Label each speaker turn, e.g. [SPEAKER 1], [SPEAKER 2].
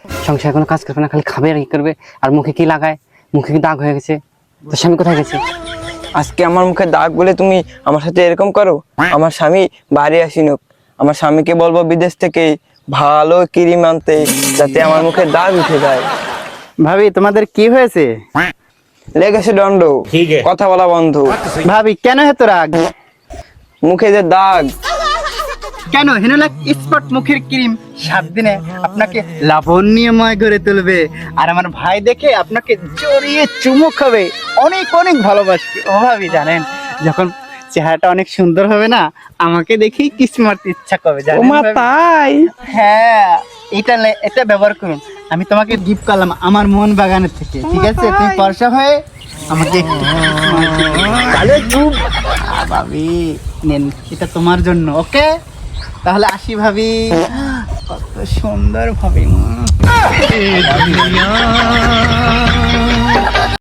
[SPEAKER 1] সংসারে কোনো কাজ করবে না, খালি খাবে আর কি করবে। আর মুখে কি লাগায়, মুখে কি দাগ হয়ে গেছে। তো স্বামী কোথায় গেছে?
[SPEAKER 2] আজকে আমার মুখে দাগ বলে তুমি আমার সাথে এরকম করো? আমার স্বামী বাড়ি আসিনুক, আমার স্বামীকে বলবো বিদেশ থেকে ভালো ক্রিম আনতে, যাতে আমার মুখে দাগ উঠে যায়।
[SPEAKER 3] ভাবি তোমাদের কি হয়েছে?
[SPEAKER 2] লেগেছে দণ্ড, কথা বলা বন্ধ।
[SPEAKER 3] ভাবি কেন এত রাগ?
[SPEAKER 2] মুখে যে দাগ।
[SPEAKER 3] কেন? হেনোলাক স্পট মুখের ক্রিম 7 দিনে আপনাকে লাবণ্যময় করে তুলবে। আর আমার ভাই দেখে আপনাকে জড়িয়ে চুমু খাবে, অনেক অনেক ভালোবাসবে। ও ভাবি জানেন, যখন চেহারাটা অনেক সুন্দর হবে না, আমাকে দেখেই কিস মারতে ইচ্ছা করবে, জানেন ভাবি?
[SPEAKER 2] তাই?
[SPEAKER 3] হ্যাঁ, এটা ব্যবহার করুন। আমি তোমাকে গিফট করলাম আমার মন বাগানের থেকে, ঠিক আছে? তুমি পয়সা হয়ে আমাকে একটু kiss মারতে দিও। তাহলে চুপ। ভাবি নেন, এটা তোমার জন্য, ওকে? তাহলে আসি ভাবি। কত সুন্দর ভাবি।